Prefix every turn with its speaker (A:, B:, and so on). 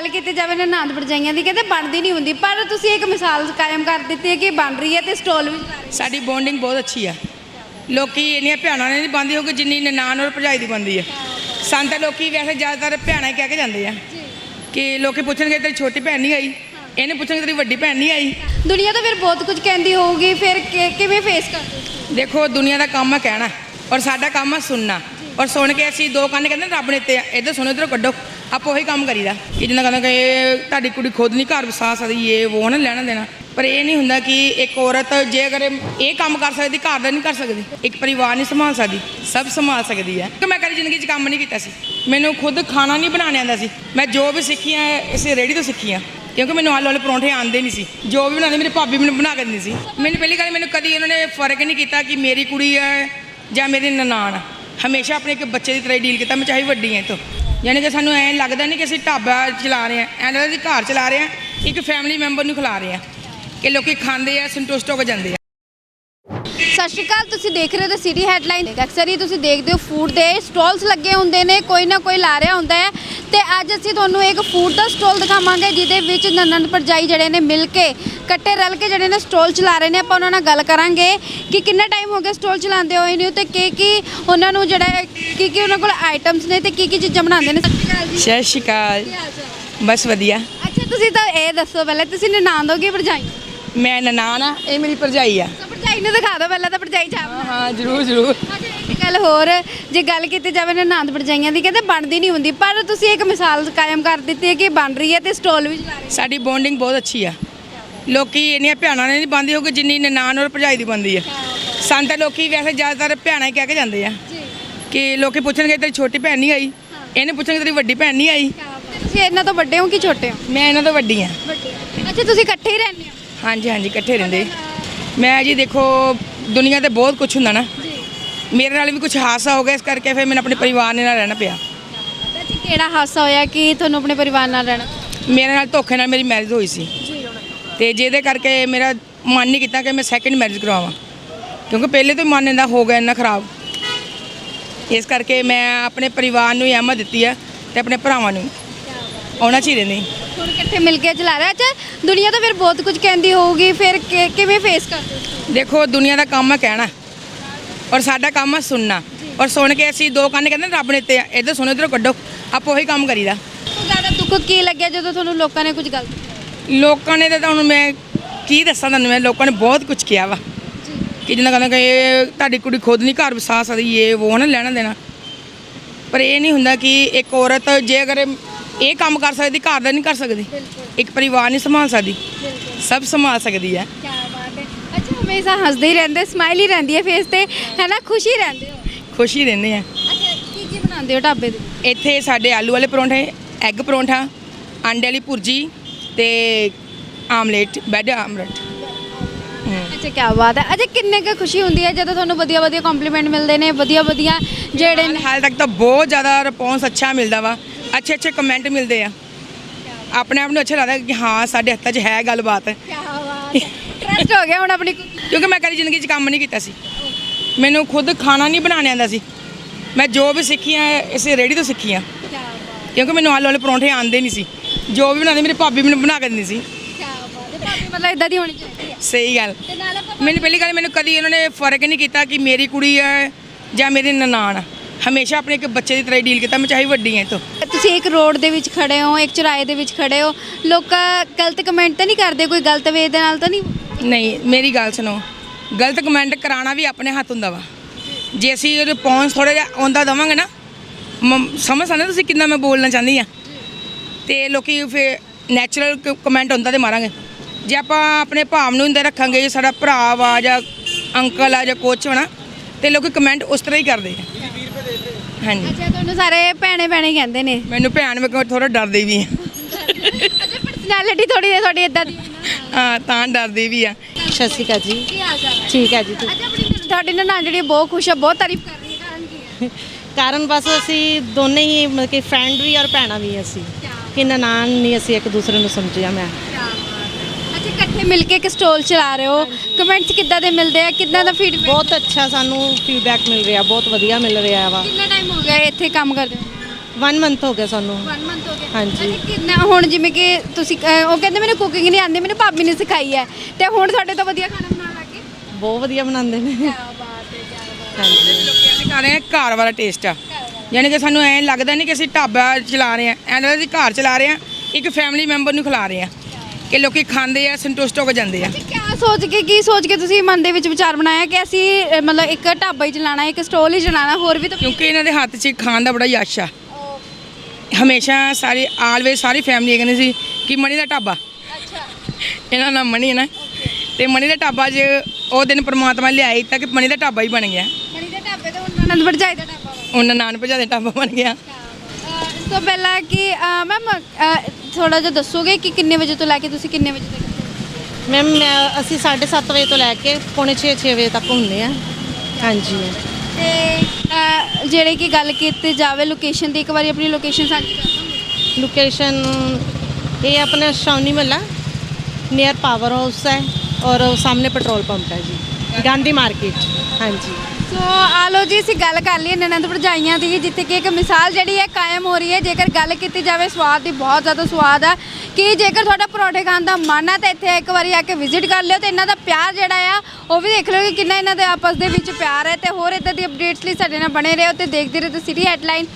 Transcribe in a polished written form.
A: ਗੱਲ ਕੀਤੀ ਜਾਵੇ ਨਾ ਨਨਾਣ ਭਰਜਾਈਆਂ ਦੀ ਕਹਿੰਦੇ ਬਣਦੀ ਨਹੀਂ ਹੁੰਦੀ, ਪਰ ਤੁਸੀਂ ਇੱਕ ਮਿਸਾਲ ਕਾਇਮ ਕਰ ਦਿੱਤੀ ਹੈ ਕਿ ਬਣ ਰਹੀ ਹੈ ਤੇ ਸਟਾਲ ਵੀ ਚਲਾ ਰਹੇ ਹੋ।
B: ਸਾਡੀ ਬੌਂਡਿੰਗ ਬਹੁਤ ਅੱਛੀ ਆ। ਲੋਕੀ ਇੰਨੀਆਂ ਭੈਣਾਂ ਨੇ ਨਹੀਂ ਬਣਦੀ ਹੋਊਗੀ ਜਿੰਨੀ ਨਨਾਣ ਔਰ ਭਰਜਾਈ ਦੀ ਬਣਦੀ ਆ। ਸਾਨੂੰ ਤਾਂ ਲੋਕੀ ਵੈਸੇ ਜ਼ਿਆਦਾਤਰ ਭੈਣਾਂ ਹੀ ਕਹਿ ਕੇ ਜਾਂਦੇ ਆ ਕਿ ਲੋਕੀ ਪੁੱਛਣਗੇ ਤੇਰੀ ਛੋਟੀ ਭੈਣ ਨਹੀਂ ਆਈ, ਇਹਨੇ ਪੁੱਛਣਗੇ ਤੇਰੀ ਵੱਡੀ ਭੈਣ ਨਹੀਂ ਆਈ।
A: ਦੁਨੀਆ ਤਾਂ ਫਿਰ ਬਹੁਤ ਕੁਝ ਕਹਿੰਦੀ ਹੋਊਗੀ, ਫਿਰ ਕਿਵੇਂ ਫੇਸ ਕਰਦੇ ਹੋ?
B: ਦੇਖੋ ਦੁਨੀਆ ਦਾ ਕੰਮ ਆ ਕਹਿਣਾ ਔਰ ਸਾਡਾ ਕੰਮ ਆ ਸੁਣਨਾ, ਔਰ ਸੁਣ ਕੇ ਅਸੀਂ ਦੋ ਕੰਨ ਕਹਿੰਦੇ ਰੱਬ ਨੇ ਤੇ ਇੱਧਰ ਸੁਣੋ ਇੱਧਰੋਂ ਕੱਢੋ, ਆਪਾਂ ਉਹੀ ਕੰਮ ਕਰੀਦਾ ਕਿ ਜਿੰਨਾ ਕਹਿੰਦਾ ਕਿ ਤੁਹਾਡੀ ਕੁੜੀ ਖੁਦ ਨਹੀਂ ਘਰ ਵਸਾ ਸਕਦੀ, ਇਹ ਉਹ ਨਾ ਲੈਣਾ ਦੇਣਾ। ਪਰ ਇਹ ਨਹੀਂ ਹੁੰਦਾ ਕਿ ਇੱਕ ਔਰਤ ਜੇ ਅਗਰ ਇਹ ਕੰਮ ਕਰ ਸਕਦੀ ਘਰ ਦਾ ਨਹੀਂ ਕਰ ਸਕਦੀ, ਇੱਕ ਪਰਿਵਾਰ ਨਹੀਂ ਸੰਭਾਲ ਸਕਦੀ, ਸਭ ਸੰਭਾਲ ਸਕਦੀ ਹੈ। ਕਿ ਮੈਂ ਕਦੀ ਜ਼ਿੰਦਗੀ 'ਚ ਕੰਮ ਨਹੀਂ ਕੀਤਾ ਸੀ, ਮੈਨੂੰ ਖੁਦ ਖਾਣਾ ਨਹੀਂ ਬਣਾਉਣਾ ਆਉਂਦਾ ਸੀ। ਮੈਂ ਜੋ ਵੀ ਸਿੱਖੀਆਂ ਇਸੇ ਰੇਹੜੀ ਤੋਂ ਸਿੱਖੀਆਂ, ਕਿਉਂਕਿ ਮੈਨੂੰ ਆਲੂ ਵਾਲੇ ਪਰੌਂਠੇ ਆਉਂਦੇ ਨਹੀਂ ਸੀ। ਜੋ ਵੀ ਬਣਾਉਂਦੇ ਮੇਰੀ ਭਾਬੀ ਮੈਨੂੰ ਬਣਾ ਕੇ ਦਿੰਦੀ ਸੀ। ਮੈਨੂੰ ਪਹਿਲੀ ਗੱਲ ਮੈਨੂੰ ਕਦੀ ਉਹਨਾਂ ਨੇ ਫਰਕ ਨਹੀਂ ਕੀਤਾ ਕਿ ਮੇਰੀ ਕੁੜੀ ਹੈ ਜਾਂ ਮੇਰੀ ਨਨਾਣ। ਹਮੇਸ਼ਾ ਆਪਣੇ ਇੱਕ ਬੱਚੇ ਦੀ ਤਰ੍ਹਾਂ ਡੀਲ ਕੀਤਾ, ਮੈਂ ਚਾਹੇ ਵੱਡੀ ਹਾਂ ਤੋਂ। ਯਾਨੀ ਕਿ ਸਾਨੂੰ ਐਂ ਲੱਗਦਾ ਨਹੀਂ ਕਿ ਅਸੀਂ ਢਾਬਾ ਚਲਾ ਰਹੇ ਹਾਂ, ਐਂ ਲੱਗਦਾ ਅਸੀਂ ਘਰ ਚਲਾ ਰਹੇ ਹਾਂ, ਇੱਕ ਫੈਮਿਲੀ ਮੈਂਬਰ ਨੂੰ ਖਿਲਾ ਰਹੇ ਹਾਂ ਕਿ ਲੋਕੀ ਖਾਂਦੇ ਆ ਸੰਤੁਸ਼ਟ ਹੋ ਕੇ ਜਾਂਦੇ ਆ।
A: ਸਤਿ ਸ਼੍ਰੀ ਅਕਾਲ, ਤੁਸੀਂ ਦੇਖ ਰਹੇ ਹੋ ਤਾਂ ਸਿਟੀ ਹੈਡਲਾਈਨ। ਅਕਸਰ ਹੀ ਤੁਸੀਂ ਦੇਖਦੇ ਹੋ ਫੂਡ ਦੇ ਸਟਾਲਸ ਲੱਗੇ ਹੁੰਦੇ ਨੇ, ਕੋਈ ਨਾ ਕੋਈ ਲਾ ਰਿਹਾ ਹੁੰਦਾ ਹੈ। ਤੇ ਅੱਜ ਅਸੀਂ ਤੁਹਾਨੂੰ ਇੱਕ ਫੂਡ ਦਾ ਸਟਾਲ ਦਿਖਾਵਾਂਗੇ ਜਿਹਦੇ ਵਿੱਚ ਨਨਦ ਭਰਜਾਈ ਜਿਹੜੇ ਨੇ ਮਿਲ ਕੇ ਇਕੱਠੇ ਰਲ ਕੇ ਜਿਹੜੇ ਨੇ ਸਟਾਲ ਚਲਾ ਰਹੇ ਨੇ। ਆਪਾਂ ਉਹਨਾਂ ਨਾਲ ਗੱਲ ਕਰਾਂਗੇ ਕਿ ਕਿੰਨਾ ਟਾਈਮ ਹੋ ਗਿਆ ਸਟਾਲ ਚਲਾਉਂਦੇ ਹੋਏ ਨੇ ਤੇ ਕੀ ਉਹਨਾਂ ਨੂੰ ਜਿਹੜਾ ਕੀ ਉਹਨਾਂ ਕੋਲ ਆਈਟਮਸ ਨੇ ਤੇ ਕੀ ਚੀਜ਼ਾਂ ਬਣਾਉਂਦੇ ਨੇ।
B: ਸਤਿ ਸ਼੍ਰੀ ਅਕਾਲ। ਬਸ ਵਧੀਆ।
A: ਅੱਛਾ, ਤੁਸੀਂ ਤਾਂ ਇਹ ਦੱਸੋ ਪਹਿਲਾਂ ਤੁਸੀਂ ਨਨਾਣ ਹੋ ਕਿ ਭਰਜਾਈ?
B: ਮੈਂ ਨਨਾਣ ਆ, ਇਹ ਮੇਰੀ ਭਰਜਾਈ ਆ।
A: ਭਰਜਾਈ ਨੂੰ ਦਿਖਾ ਦਿਓ ਪਹਿਲਾਂ ਤਾਂ ਭਰਜਾਈ ਚਾਹ।
B: ਹਾਂ ਜ਼ਰੂਰ ਜ਼ਰੂਰ।
A: ਅੱਛਾ, ਇੱਕ ਗੱਲ ਹੋਰ, ਜੇ ਗੱਲ ਕੀਤੀ ਜਾਵੇ ਨਨਾਣ ਭਰਜਾਈਆਂ ਦੀ ਕਹਿੰਦੇ ਬਣਦੀ ਨਹੀਂ ਹੁੰਦੀ, ਪਰ ਤੁਸੀਂ ਇੱਕ ਮਿਸਾਲ ਕਾਇਮ ਕਰ ਦਿੱਤੀ ਹੈ ਕਿ ਬਣ ਰਹੀ ਹੈ ਤੇ ਸਟਾਲ ਵੀ ਚਲਾ ਰਹੇ ਹੋ।
B: ਸਾਡੀ ਬੌਂਡਿੰਗ ਬਹੁਤ ਅੱਛੀ ਆ। ਲੋਕੀ ਇੰਨੀਆਂ ਭੈਣਾਂ ਨੇ ਨਹੀਂ ਬਣਦੀ ਹੋਊਗੀ ਜਿੰਨੀ ਨਨਾਣ ਔਰ ਭਰਜਾਈ ਦੀ ਬਣਦੀ ਆ। ਸਾਨੂੰ ਤਾਂ ਲੋਕੀ ਵੈਸੇ ਜ਼ਿਆਦਾਤਰ ਭੈਣਾਂ ਹੀ ਕਹਿ ਕੇ ਜਾਂਦੇ ਆ ਕਿ ਲੋਕੀ ਪੁੱਛਣਗੇ ਤੇਰੀ ਛੋਟੀ ਭੈਣ ਨਹੀਂ ਆਈ, ਇਹਨੇ ਪੁੱਛਣਗੇ ਤੇਰੀ ਵੱਡੀ ਭੈਣ ਨਹੀਂ ਆਈ।
A: ਤੁਸੀਂ ਇਹਨਾਂ ਤੋਂ ਵੱਡੇ ਹੋ ਕਿ ਛੋਟੇ ਹੋ?
B: ਮੈਂ ਇਹਨਾਂ ਤੋਂ ਵੱਡੀ ਆ।
A: ਅੱਛਾ, ਤੁਸੀਂ ਇਕੱਠੇ ਹੀ ਰਹਿੰਦੇ ਹੋ?
B: ਹਾਂਜੀ ਹਾਂਜੀ, ਇਕੱਠੇ ਰਹਿੰਦੇ। ਮੈਂ ਜੀ ਦੇਖੋ ਦੁਨੀਆ ਤੇ ਬਹੁਤ ਕੁਝ ਹੁੰਦਾ ਨਾ, ਮੇਰੇ ਨਾਲ ਵੀ ਕੁਝ ਹਾਦਸਾ ਹੋ ਗਿਆ, ਇਸ ਕਰਕੇ ਫਿਰ ਮੈਨੂੰ ਆਪਣੇ ਪਰਿਵਾਰ ਨਾਲ ਰਹਿਣਾ ਪਿਆ।
A: ਅੱਛਾ, ਕਿਹੜਾ ਹਾਦਸਾ ਹੋਇਆ ਕਿ ਤੁਹਾਨੂੰ ਆਪਣੇ ਪਰਿਵਾਰ ਨਾਲ ਰਹਿਣਾ?
B: ਮੇਰੇ ਨਾਲ ਧੋਖੇ ਨਾਲ ਮੇਰੀ ਮੈਰਿਜ ਹੋਈ ਸੀ ਤੇ ਜਿਹਦੇ ਕਰਕੇ ਮੇਰਾ ਮਨ ਨਹੀਂ ਕੀਤਾ ਕਿ ਮੈਂ ਸੈਕਿੰਡ ਮੈਰਿਜ ਕਰਵਾਵਾਂ, ਕਿਉਂਕਿ ਪਹਿਲੇ ਤੋਂ ਹੀ ਮਨ ਇਹਦਾ ਹੋ ਗਿਆ ਇੰਨਾ ਖਰਾਬ। ਇਸ ਕਰਕੇ ਮੈਂ ਆਪਣੇ ਪਰਿਵਾਰ ਨੂੰ ਹੀ ਅਹਿਮੀਅਤ ਦਿੱਤੀ ਹੈ ਤੇ ਆਪਣੇ ਭਰਾਵਾਂ ਨੂੰ ਉਹਨਾਂ 'ਚ ਹੀ ਰਹਿੰਦੀ।
A: ਹੁਣ ਇਕੱਠੇ ਮਿਲ ਕੇ ਚਲਾ ਰਿਹਾ। ਅੱਛਾ, ਦੁਨੀਆ ਤਾਂ ਫਿਰ ਬਹੁਤ ਕੁਝ ਕਹਿੰਦੀ ਹੋਊਗੀ, ਫਿਰ ਕਿਵੇਂ ਫੇਸ ਕਰਦੇ ਹੋ?
B: ਦੇਖੋ ਦੁਨੀਆ ਦਾ ਕੰਮ ਆ ਕਹਿਣਾ ਔਰ ਸਾਡਾ ਕੰਮ ਆ ਸੁਣਨਾ, ਔਰ ਸੁਣ ਕੇ ਅਸੀਂ ਦੋ ਕੰਨ ਕਹਿੰਦੇ ਰੱਬ ਨੇ ਤੇ ਇੱਧਰ ਸੁਣੋ ਇੱਧਰੋਂ ਕੱਢੋ, ਆਪਾਂ ਉਹੀ ਕੰਮ ਕਰੀਦਾ।
A: ਤੋਂ ਜ਼ਿਆਦਾ ਦੁੱਖ ਕੀ ਲੱਗਿਆ ਜਦੋਂ ਤੁਹਾਨੂੰ ਲੋਕਾਂ ਨੇ ਕੁਝ ਗਲਤ ਕੀਤਾ?
B: ਲੋਕਾਂ ਨੇ ਤਾਂ ਹੁਣ ਮੈਂ ਕੀ ਦੱਸਾਂ ਤੁਹਾਨੂੰ, ਮੈਂ ਲੋਕਾਂ ਨੇ ਬਹੁਤ ਕੁਝ ਕਿਹਾ ਵਾ ਕਿ ਜਿੰਨਾ ਕਹਿੰਦਾ ਕਿ ਤੁਹਾਡੀ ਕੁੜੀ ਖੁਦ ਨਹੀਂ ਘਰ ਵਸਾ ਸਕਦੀ, ਇਹ ਉਹ ਨਾ ਲੈਣਾ ਦੇਣਾ। ਪਰ ਇਹ ਨਹੀਂ ਹੁੰਦਾ ਕਿ ਇੱਕ ਔਰਤ ਜੇ ਅਗਰ ਇਹ ਕੰਮ ਕਰ ਸਕਦੀ ਘਰ ਦਾ ਨਹੀਂ ਕਰ ਸਕਦੀ, ਇੱਕ ਪਰਿਵਾਰ ਨਹੀਂ ਸੰਭਾਲ ਸਕਦੀ, ਸਭ ਸੰਭਾਲ ਸਕਦੀ ਹੈ।
A: ਕੀ ਬਾਤ ਹੈ। ਅੱਛਾ, ਹਮੇਸ਼ਾ ਹੱਸਦੇ ਹੀ ਰਹਿੰਦੇ, ਸਮਾਈਲ ਹੀ ਰਹਿੰਦੀ ਹੈ ਫੇਸ ਤੇ, ਹੈ ਨਾ? ਖੁਸ਼ੀ ਰਹਿੰਦੇ ਹੋ?
B: ਖੁਸ਼ ਹੀ ਰਹਿੰਦੇ ਆ।
A: ਅੱਛਾ, ਕੀ ਬਣਾਉਂਦੇ ਹੋ ਢਾਬੇ ਤੇ?
B: ਇੱਥੇ ਸਾਡੇ ਆਲੂ ਵਾਲੇ ਪਰੌਂਠੇ, ਐਗ ਪਰੌਂਠਾ, ਅੰਡੇ ਵਾਲੀ ਭੁਰਜੀ ਤੇ ਆਮਲੇਟ, ਬੈਡ ਆਮਲੇਟ।
A: ਅੱਛਾ, ਕੀ ਬਾਤ ਹੈ। ਅੱਛਾ, ਕਿੰਨੇ ਕੁ ਖੁਸ਼ੀ ਹੁੰਦੀ ਹੈ ਜਦੋਂ ਤੁਹਾਨੂੰ ਵਧੀਆ ਵਧੀਆ ਕੰਪਲੀਮੈਂਟ ਮਿਲਦੇ ਨੇ, ਵਧੀਆ ਜਿਹੜੇ ਨੇ?
B: ਹਾਲ ਤੱਕ ਤਾਂ ਬਹੁਤ ਜ਼ਿਆਦਾ ਰਿਸਪੌਂਸ ਅੱਛਾ ਮਿਲਦਾ ਵਾ, ਅੱਛੇ ਕਮੈਂਟ ਮਿਲਦੇ ਆ। ਆਪਣੇ ਆਪ ਨੂੰ ਅੱਛਾ ਲੱਗਦਾ ਕਿ ਹਾਂ ਸਾਡੇ ਹੱਥਾਂ 'ਚ ਹੈ ਗੱਲਬਾਤ।
A: ਕੀ ਬਾਤ ਹੈ। ਟਰਸਟ ਹੋ ਗਿਆ ਹੁਣ ਆਪਣੀ?
B: ਕਿਉਂਕਿ ਮੈਂ ਕਦੀ ਜ਼ਿੰਦਗੀ 'ਚ ਕੰਮ ਨਹੀਂ ਕੀਤਾ ਸੀ, ਮੈਨੂੰ ਖੁਦ ਖਾਣਾ ਨਹੀਂ ਬਣਾਉਣਾ ਆਉਂਦਾ ਸੀ। ਮੈਂ ਜੋ ਵੀ ਸਿੱਖੀਆਂ ਇਸੇ ਰੇਹੜੀ ਤੋਂ ਸਿੱਖੀਆਂ, ਕਿਉਂਕਿ ਮੈਨੂੰ ਆਲੂ ਵਾਲੇ ਪਰੌਂਠੇ ਆਉਂਦੇ ਨਹੀਂ ਸੀ। ਜੋ ਵੀ ਬਣਾਉਂਦੇ ਮੇਰੀ ਭਾਬੀ ਮੈਨੂੰ ਬਣਾ ਕੇ ਦਿੰਦੀ ਸੀ।
A: ਮਤਲਬ ਇਦਾਂ ਦੀ ਹੋਣੀ ਚਾਹੀਦੀ ਹੈ।
B: ਸਹੀ ਗੱਲ। ਮੈਨੂੰ ਪਹਿਲੀ ਗੱਲ ਮੈਨੂੰ ਕਦੀ ਉਹਨਾਂ ਨੇ ਫਰਕ ਨਹੀਂ ਕੀਤਾ ਕਿ ਮੇਰੀ ਕੁੜੀ ਹੈ ਜਾਂ ਮੇਰੀ ਨਨਾਣ। ਹਮੇਸ਼ਾ ਆਪਣੇ ਇੱਕ ਬੱਚੇ ਦੀ ਤਰ੍ਹਾਂ ਡੀਲ ਕੀਤਾ, ਮੈਂ ਚਾਹੇ ਵੱਡੀ ਹਾਂ ਤੋਂ।
A: ਤੁਸੀਂ ਇੱਕ ਰੋਡ ਦੇ ਵਿੱਚ ਖੜੇ ਹੋ, ਇੱਕ ਚੁਰਾਹੇ ਦੇ ਵਿੱਚ ਖੜੇ ਹੋ, ਲੋਕ ਗਲਤ ਕਮੈਂਟ ਤਾਂ ਨਹੀਂ ਕਰਦੇ? ਕੋਈ ਗਲਤ ਵੇ ਦੇ ਨਾਲ ਤਾਂ ਨਹੀਂ?
B: ਨਹੀਂ, ਮੇਰੀ ਗੱਲ ਸੁਣੋ, ਗਲਤ ਕਮੈਂਟ ਕਰਾਉਣਾ ਵੀ ਆਪਣੇ ਹੱਥ ਹੁੰਦਾ ਵਾ। ਜੇ ਅਸੀਂ ਰਿਸਪੌਂਸ ਥੋੜ੍ਹਾ ਜਿਹਾ ਆਉਂਦਾ ਦੇਵਾਂਗੇ ਨਾ, ਸਮਝ ਸਕਦੇ ਤੁਸੀਂ ਕਿੰਨਾ ਮੈਂ ਬੋਲਣਾ ਚਾਹੁੰਦੀ ਹਾਂ, ਤੇ ਲੋਕੀ ਫਿਰ ਨੈਚੁਰਲ ਕਮੈਂਟ ਹੁੰਦਾ ਤੇ ਮਾਰਾਂਗੇ। ਜੇ ਆਪਾਂ ਆਪਣੇ ਭਾਵ ਨੂੰ ਅੰਦਰ ਰੱਖਾਂਗੇ, ਸਾਡਾ ਭਰਾ ਵਾ ਜਾਂ ਅੰਕਲ ਆ ਜਾਂ ਕੁਛ ਹੋਣਾ, ਤੇ ਲੋਕੀ ਕਮੈਂਟ ਉਸ ਤਰ੍ਹਾਂ ਹੀ ਕਰਦੇ ਆ। ਹਾਂਜੀ।
A: ਅੱਛਾ, ਤੁਹਾਨੂੰ ਸਾਰੇ ਭੈਣੇ ਹੀ ਕਹਿੰਦੇ ਨੇ?
B: ਮੈਨੂੰ ਭੈਣ ਮੈਂ ਥੋੜਾ ਡਰਦੀ ਵੀ ਆ।
A: ਅੱਛਾ, ਪਰਸਨੈਲਿਟੀ ਥੋੜੀ ਤੁਹਾਡੀ ਇਦਾਂ ਦੀ?
B: ਹਾਂ, ਤਾਂ ਡਰਦੀ ਵੀ ਆ।
C: ਸਤਿ ਸ਼੍ਰੀ ਅਕਾਲ ਜੀ।
A: ਕੀ ਹਾਲ ਚਾਲ?
C: ਠੀਕ ਹੈ ਜੀ।
A: ਅੱਛਾ, ਤੁਹਾਡੀ ਨਨਾਣ ਜਿਹੜੀ ਬਹੁਤ ਖੁਸ਼ ਆ, ਬਹੁਤ ਤਾਰੀਫ ਕਰ ਰਹੀ ਹੈ, ਕਾਰਨ ਕੀ ਹੈ?
C: ਕਾਰਨ ਬਸ ਅਸੀਂ ਦੋਨੇ ਹੀ ਮਤਲਬ ਕਿ ਫਰੈਂਡ ਵੀ ਔਰ ਭੈਣਾਂ ਵੀ ਅਸੀਂ, ਕਿ ਨਨਾਣ ਨਹੀਂ ਅਸੀਂ ਇੱਕ ਦੂਸਰੇ ਨੂੰ ਸਮਝਿਆ। ਮੈਂ
A: ਅੱਛਾ, ਇਕੱਠੇ ਮਿਲ ਕੇ ਇੱਕ ਸਟਾਲ ਚਲਾ ਰਹੇ ਹੋ, ਕਮੈਂਟਸ ਕਿੱਦਾਂ ਦੇ ਮਿਲਦੇ ਆ, ਕਿੱਦਾਂ ਦਾ ਫੀਡਬੈਕ?
C: ਬਹੁਤ ਅੱਛਾ ਸਾਨੂੰ ਫੀਡਬੈਕ ਮਿਲ ਰਿਹਾ, ਬਹੁਤ ਵਧੀਆ ਮਿਲ ਰਿਹਾ ਵਾ।
A: ਕਿੰਨਾ ਟਾਈਮ ਹੋ ਗਿਆ ਇੱਥੇ ਕੰਮ ਕਰਦੇ ਹੋ?
C: 1 ਮੰਥ ਹੋ ਗਿਆ ਸਾਨੂੰ
A: 1 ਮੰਥ ਹੋ ਗਿਆ
C: ਹਾਂਜੀ।
A: ਅੱਛਾ, ਕਿੰਨਾ ਹੁਣ ਜਿਵੇਂ ਕਿ ਤੁਸੀਂ ਉਹ ਕਹਿੰਦੇ ਮੈਨੂੰ ਕੁਕਿੰਗ ਨਹੀਂ ਆਉਂਦੀ, ਮੈਨੂੰ ਭਾਬੀ ਨੇ ਸਿਖਾਈ ਹੈ ਤੇ ਹੁਣ ਤੁਹਾਡੇ ਤੋਂ ਵਧੀਆ ਖਾਣਾ ਬਣਾਉਣ ਲੱਗ ਗਏ।
C: ਬਹੁਤ ਵਧੀਆ ਬਣਾਉਂਦੇ ਨੇ।
A: ਕੀ ਬਾਤ ਹੈ, ਕੀ ਬਾਤ
C: ਹਾਂਜੀ
B: ਲੋਕੀ ਖਾ ਰਹੇ ਆ ਘਰ ਵਾਲਾ ਟੇਸਟ ਆ, ਯਾਨੀ ਕਿ ਸਾਨੂੰ ਐਂ ਲੱਗਦਾ ਨਹੀਂ ਕਿ ਅਸੀਂ ਢਾਬਾ ਚਲਾ ਰਹੇ ਆ, ਐਂ ਲੱਗਦਾ ਅਸੀਂ ਘਰ ਚਲਾ ਰਹੇ ਆ, ਇੱਕ ਫੈਮਿਲੀ ਮੈਂਬਰ ਨੂੰ ਖਿਲਾ ਰਹੇ ਆ ਕਿ ਲੋਕੀ ਖਾਂਦੇ ਆ ਸੰਤੁਸ਼ਟ ਹੋ ਕੇ ਜਾਂਦੇ ਆ।
A: ਅੱਛਾ, ਕੀ ਸੋਚ ਕੇ ਤੁਸੀਂ ਮਨ ਦੇ ਵਿੱਚ ਵਿਚਾਰ ਬਣਾਇਆ ਕਿ ਅਸੀਂ ਮਤਲਬ ਇੱਕ ਢਾਬਾ ਹੀ ਚਲਾਣਾ, ਇੱਕ ਸਟੋਲ ਹੀ ਚਲਾਣਾ, ਹੋਰ ਵੀ ਤਾਂ
B: ਕਿਉਂਕਿ ਇਹਨਾਂ ਦੇ ਹੱਥ 'ਚ ਖਾਣ ਦਾ ਬੜਾ ਯਸ਼ ਆ। ਹਮੇਸ਼ਾ ਸਾਰੇ ਆਲਵੇਜ਼ ਸਾਰੀ ਫੈਮਿਲੀ ਕਹਿੰਦੀ ਸੀ ਕਿ ਮਣੀ ਦਾ ਢਾਬਾ,
A: ਅੱਛਾ
B: ਇਹਨਾਂ ਦਾ ਨਾਮ ਮਣੀ ਹੈ ਨਾ, ਤੇ ਮਣੀ ਦਾ ਢਾਬਾ 'ਚ ਉਹ ਦਿਨ ਪ੍ਰਮਾਤਮਾ ਲਿਆਈ ਤਾਂ ਕਿ ਮਣੀ ਦਾ ਢਾਬਾ ਹੀ ਬਣ ਗਿਆ।
A: ਮਣੀ ਦੇ ਢਾਬੇ ਤੇ ਹੁਣ ਆਨੰਦ ਭਰਜਾਈ ਦਾ ਢਾਬਾ ਵਾ।
B: ਉਹਨਾਂ ਨਾਨ ਭਜਾ ਦੇ ਢਾਬਾ ਬਣ ਗਿਆ।
A: ਇਸ ਤੋਂ ਪਹਿਲਾਂ ਕਿ ਮੈਮ ਥੋੜਾ ਜਿਹਾ ਦੱਸੋਗੇ ਕਿ ਕਿੰਨੇ ਵਜੇ ਤੋਂ ਲੈ ਕੇ ਤੁਸੀਂ ਕਿੰਨੇ ਵਜੇ ਤੱਕ?
C: ਮੈਮ ਅਸੀਂ 7:30 ਵਜੇ ਤੋਂ ਲੈ ਕੇ ਪੌਣੇ 6 ਵਜੇ ਤੱਕ ਹੁੰਦੇ ਆ। ਹਾਂਜੀ
A: ਤੇ ਜਿਹੜੇ ਕਿ ਗੱਲ ਕੀਤੀ ਜਾਵੇ ਲੋਕੇਸ਼ਨ ਦੀ, ਇੱਕ ਵਾਰੀ ਆਪਣੀ ਲੋਕੇਸ਼ਨ ਸਾਂਝੀ ਕਰ ਦੋਗੇ?
C: ਲੋਕੇਸ਼ਨ ਇਹ ਆਪਣਾ ਸ਼ੌਨੀ ਮਹੱਲਾ ਨੀਅਰ ਪਾਵਰ ਹਾਊਸ ਹੈ ਔਰ ਸਾਹਮਣੇ ਪੈਟਰੋਲ ਪੰਪ ਹੈ ਜੀ, ਗਾਂਧੀ ਮਾਰਕੀਟ। ਹਾਂਜੀ
A: ਸੋ ਆ ਲਓ ਜੀ, ਅਸੀਂ ਗੱਲ ਕਰ ਲਈ ਨਨਦ ਭਰਜਾਈਆਂ ਦੀ, ਜਿੱਥੇ ਕਿ ਇੱਕ ਮਿਸਾਲ ਜਿਹੜੀ ਹੈ ਕਾਇਮ ਹੋ ਰਹੀ ਹੈ। ਜੇਕਰ ਗੱਲ ਕੀਤੀ ਜਾਵੇ ਸਵਾਦ ਦੀ, ਬਹੁਤ ਜ਼ਿਆਦਾ ਸਵਾਦ ਆ ਕਿ ਜੇਕਰ ਤੁਹਾਡਾ ਪਰੌਂਠੇ ਖਾਣ ਦਾ ਮਨ ਹੈ ਤਾਂ ਇੱਥੇ ਇੱਕ ਵਾਰੀ ਆ ਕੇ ਵਿਜ਼ਿਟ ਕਰ ਲਿਓ ਤੇ ਇਹਨਾਂ ਦਾ ਪਿਆਰ ਜਿਹੜਾ ਆ ਉਹ ਵੀ ਦੇਖ ਲਿਓ ਕਿ ਕਿੰਨਾ ਇਹਨਾਂ ਦੇ ਆਪਸ ਦੇ ਵਿੱਚ ਪਿਆਰ ਹੈ। ਤੇ ਹੋਰ ਇੱਦਾਂ ਦੀ ਅਪਡੇਟਸ ਲਈ ਸਾਡੇ ਨਾਲ ਬਣੇ ਰਹੋ ਤੇ ਦੇਖਦੇ ਰਹੋ ਸਿਟੀ ਹੈਡਲਾਈਨ।